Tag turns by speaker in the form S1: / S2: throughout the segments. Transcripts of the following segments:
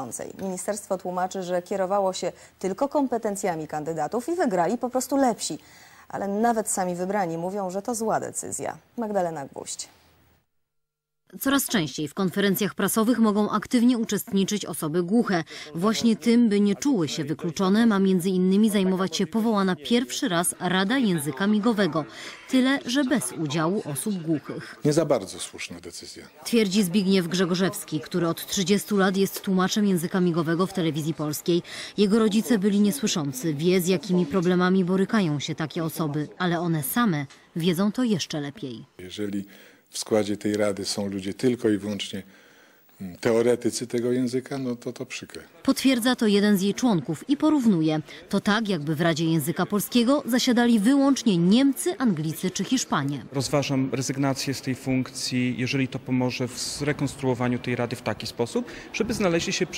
S1: Ministerstwo tłumaczy, że kierowało się tylko kompetencjami kandydatów i wygrali po prostu lepsi. Ale nawet sami wybrani mówią, że to zła decyzja. Magdalena Gwóźdź.
S2: Coraz częściej w konferencjach prasowych mogą aktywnie uczestniczyć osoby głuche. Właśnie tym, by nie czuły się wykluczone, ma między innymi zajmować się powołana pierwszy raz Rada Języka Migowego. Tyle, że bez udziału osób głuchych.
S3: Nie za bardzo słuszna decyzja.
S2: Twierdzi Zbigniew Grzegorzewski, który od 30 lat jest tłumaczem języka migowego w telewizji polskiej. Jego rodzice byli niesłyszący. Wie, z jakimi problemami borykają się takie osoby, ale one same wiedzą to jeszcze lepiej.
S3: Jeżeli w składzie tej rady są ludzie tylko i wyłącznie teoretycy tego języka, no to przykre.
S2: Potwierdza to jeden z jej członków i porównuje. To tak, jakby w Radzie Języka Polskiego zasiadali wyłącznie Niemcy, Anglicy czy Hiszpanie.
S4: Rozważam rezygnację z tej funkcji, jeżeli to pomoże w zrekonstruowaniu tej rady w taki sposób, żeby znaleźli się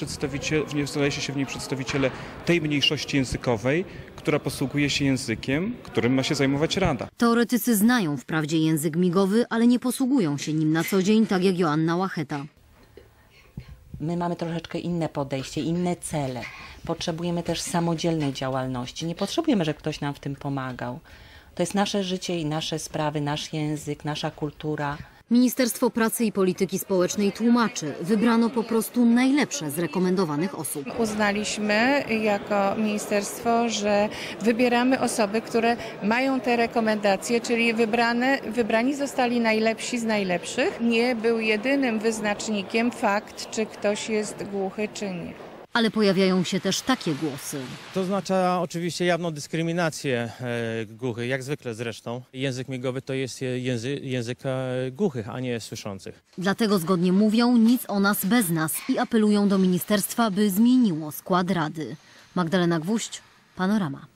S4: w niej przedstawiciele tej mniejszości językowej, która posługuje się językiem, którym ma się zajmować rada.
S2: Teoretycy znają wprawdzie język migowy, ale nie posługują się nim na co dzień, tak jak Joanna Łacheta.
S5: My mamy troszeczkę inne podejście, inne cele. Potrzebujemy też samodzielnej działalności. Nie potrzebujemy, żeby ktoś nam w tym pomagał. To jest nasze życie i nasze sprawy, nasz język, nasza kultura.
S2: Ministerstwo Pracy i Polityki Społecznej tłumaczy, wybrano po prostu najlepsze z rekomendowanych osób.
S6: Uznaliśmy jako ministerstwo, że wybieramy osoby, które mają te rekomendacje, czyli wybrani zostali najlepsi z najlepszych. Nie był jedynym wyznacznikiem fakt, czy ktoś jest głuchy, czy nie.
S2: Ale pojawiają się też takie głosy.
S7: To oznacza oczywiście jawną dyskryminację głuchych, jak zwykle zresztą. Język migowy to jest język głuchych, a nie słyszących.
S2: Dlatego zgodnie mówią nic o nas bez nas i apelują do ministerstwa, by zmieniło skład rady. Magdalena Gwóźdź, Panorama.